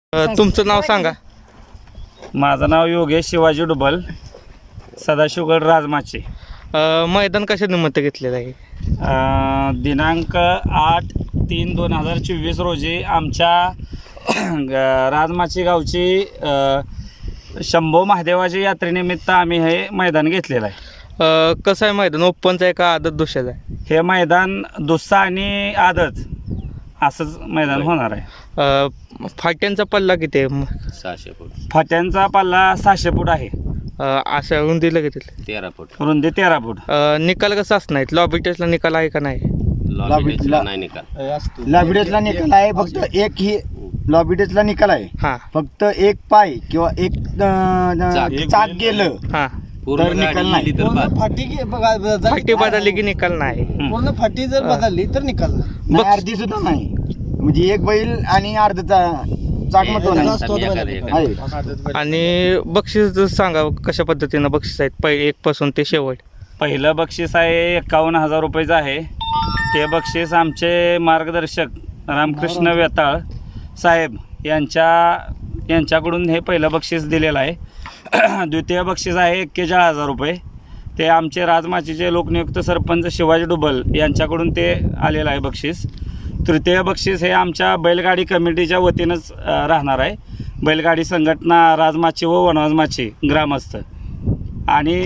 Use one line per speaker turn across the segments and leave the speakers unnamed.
तुमचं नाव सांगा.
माझं नाव योगेश शिवाजी डुबल, सदाशिवगड राजमाची.
मैदान कशा निमित्त घेतलेलं आहे?
दिनांक 8/3/2024 रोजी आमच्या राजमाची गावची शंभो महादेवाची यात्रेनिमित्त आम्ही हे मैदान घेतलेलं आहे.
कसं आहे मैदान? ओपनचं आहे का आदत दुसऱ्याचं आहे?
हे मैदान दुस्सा आणि आदत असंच मैदान होणार आहे.
फाट्यांचा पल्ला किती आहे?
600 फूट.
फाट्यांचा पल्ला 600 फूट आहे.
असं रुंदीला किती?
13 फूट.
रुंदी 13 फूट.
निकाल कसं असणार? लॉबी टेस्टला निकाल आहे का नाही?
लॉबी टेस्टला नाही निकाल.
लॉबी टेस्टला निकाल आहे. फक्त एक ही लॉबी टेस्टला निकाल आहे.
हां
फक्त एक पाय किंवा एक चाक गेलं
हां.
पूर्ण
तर निकाल
गाडी
नाही.
गेली तर बाद.
फाटी बदलली की निकाल नाही.
पूर्ण फाटी जर बदलली तर निकाल
नाही, अर्धी सुद्धा नाही. म्हणजे एक बैल आणि अर्धा चाक महत्व नाही. आहे.
आणि बक्षीस सांगा कशा पद्धतीनं बक्षीस आहेत पहिले 1 पासून ते शेवट?
पहिलं बक्षीस आहे 51,000 रुपयाचं आहे. ते बक्षीस आमचे मार्गदर्शक रामकृष्ण वेताळ साहेब यांच्याकडून हे पहिलं बक्षीस दिलेलं आहे. द्वितीय बक्षीस आहे 41,000 रुपये. ते आमचे राजमाचीचे लोकनियुक्त सरपंच शिवाजी डुबल यांच्याकडून ते आलेलं आहे बक्षीस. तृतीय बक्षीस हे आमच्या बैलगाडी कमिटीच्या वतीनंच राहणार आहे. बैलगाडी संघटना राजमाची व वनवाजमाची ग्रामस्थ. आणि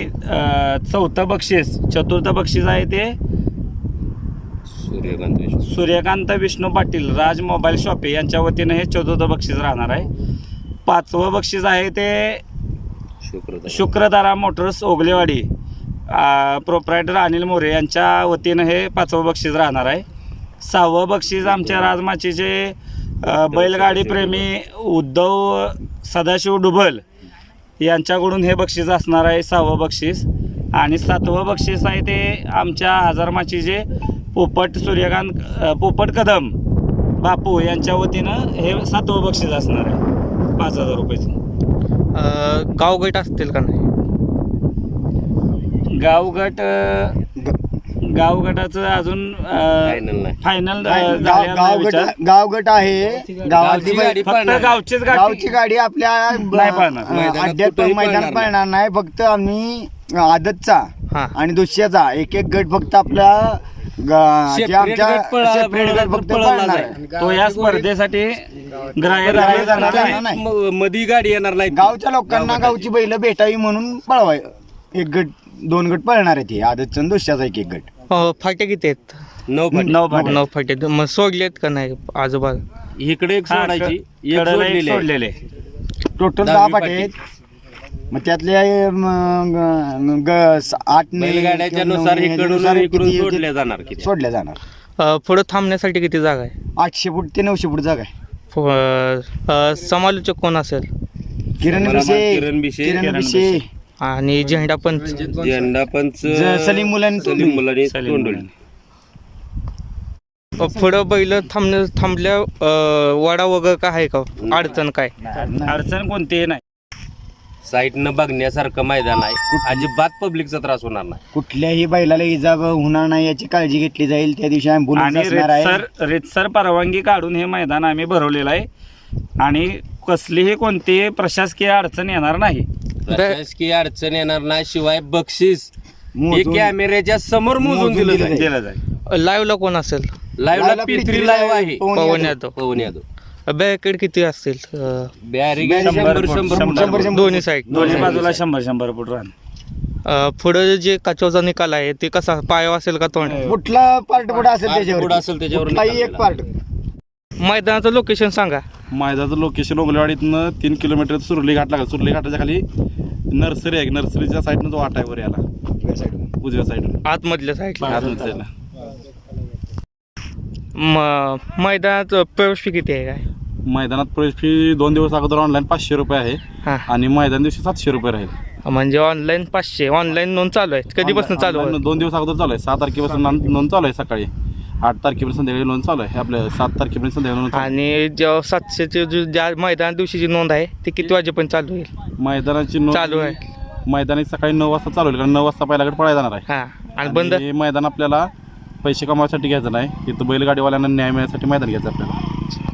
चतुर्थ बक्षीस आहे ते सूर्यकांत विष्णू पाटील राज मोबाईल शॉपे यांच्या वतीनं हे चतुर्थ बक्षीस राहणार आहे. 5वं बक्षीस आहे ते शुक्रधारा मोटर्स ओगलेवाडी प्रोप्रायटर अनिल मोरे यांच्या वतीनं हे 5वं बक्षीस राहणार आहे. 6वं बक्षीस आमच्या राजमाचीचे बैलगाडी प्रेमी उद्धव सदाशिव डुबल यांच्याकडून हे बक्षीस असणार आहे 6वं बक्षीस. आणि 7वं बक्षीस आहे ते आमच्या हजारमाचीचे पोपट कदम बापू यांच्या वतीनं हे 7वं बक्षीस असणार आहे 5,000 रुपयाचं.
गावगट असतील का नाही?
गावगटाचं अजून फायनल
गावगट आहे. गावातली
फक्त गावचीच
गावची गाडी आपल्या
नाही पळणार.
अड्ड्यात मैदानात पळणार नाही. फक्त आम्ही आदतचा
हां.
आणि दुसऱ्याचा एक गट फक्त आपल्या आमच्या सेपरेट गट फक्त पळणार आहे.
तो या स्पर्धेसाठी ग्राह्य धरला जाणार नाही.
मधी गाडी येणार नाही.
गावच्या लोकांना गावची बैल भेटावी म्हणून पळवाय. एक गट 2 गट पळणार आहे. ते आदतचा आणि दुसऱ्याचा एक गट.
फाट्या किती आहेत?
9 फूट.
9 फाट्या. मग सोडलेत का नाही आजोबा?
इकडे एक सोडायची, एक सोडलेली आहे.
सोडलेले
टोटल 10 पाटे आहेत. मग त्यातले 8
बैलगाड्याच्या नुसार इकडून सोडल्या जाणार.
सोडल्या जाणार.
पुढं थांबण्यासाठी किती जागा आहे?
800 फूट ते 900 फूट जागा आहे.
समालोचक कोण असेल?
किरण विषय
आणि झेंडा पंच
सलीम मुलांनी
पुढं बैल थांबल्या वाडा वगैरे काय आहे का? अडचण काय?
अडचण कोणतीही नाही.
साईडनं बघण्यासारखं मैदान आहे. अजिबात पब्लिकचा त्रास होणार नाही.
कुठल्याही बैलाला इजा होणार नाही याची काळजी घेतली जाईल. त्या दिवशी
आणि रितसर परवानगी काढून हे मैदान आम्ही भरवलेलं आहे. आणि कसलीही कोणतीही प्रशासकीय अडचण येणार नाही.
प्रशासकीय अडचण येणार नाही. शिवाय बक्षीस हे कॅमेऱ्याच्या समोर मोजून दिलं जाईल.
लाईव्हला कोण असेल?
लाईव्हला P3 लाईव्ह आहे.
पवन यादव. बॅरिकेड किती असतील?
बॅरिकेड 100
दोन्ही साईड,
दोन्ही बाजूला 100 फूट राहणार.
पुढं जे काचवचा निकाल आहे ते कसा? पाय असेल का तोंड?
कुठला पार्ट पुढे असेल
त्याच्यावर
कुठलाही एक पार्ट.
मैदानाचं लोकेशन सांगा.
मैदानाचं लोकेशन ओगलेवाडीतनं 3 किलोमीटर सुरली घाट लागला. सुरली घाटाच्या खाली नर्सरी आहे. नर्सरीच्या साईडनं जो वाटा आहे वर याला उजव्या साईडला
आतमधल्या साईडला.
आतमधल्या साईडला.
मैदानात प्रवेश फी किती आहे? काय
मैदानात प्रवेश फी 2 दिवस अगोदर ऑनलाईन 500 रुपये आहे.
हां.
आणि मैदान दिवशी 700 रुपये राहील.
म्हणजे ऑनलाईन 500. ऑनलाईन नोंद चालू आहे? कधीपासून चालू आहे?
2 दिवस अगोदर चालू आहे. 6 तारखेपासून नोंद चालू आहे. सकाळी 8 तारखेपर्यंत संध्याकाळी नोंद चालू आहे. आपल्या 7 तारखेपर्यंत संध्याकाळी नोंद.
आणि जेव्हा 700ची ज्या मैदान दिवशीची नोंद आहे ती किती वाजेपर्यंत चालू होईल?
मैदानाची नोंद
चालू आहे.
मैदानी सकाळी 9 वाजता चालू होईल. कारण 9 वाजता पहिला गट पळायला जाणार आहे.
हां. आणि बंद
हे मैदान आपल्याला पैसे कमावण्यासाठी घ्यायचं नाही. इथं बैलगाडीवाल्यांना न्याय मिळण्यासाठी मैदान घ्यायचं आपल्याला.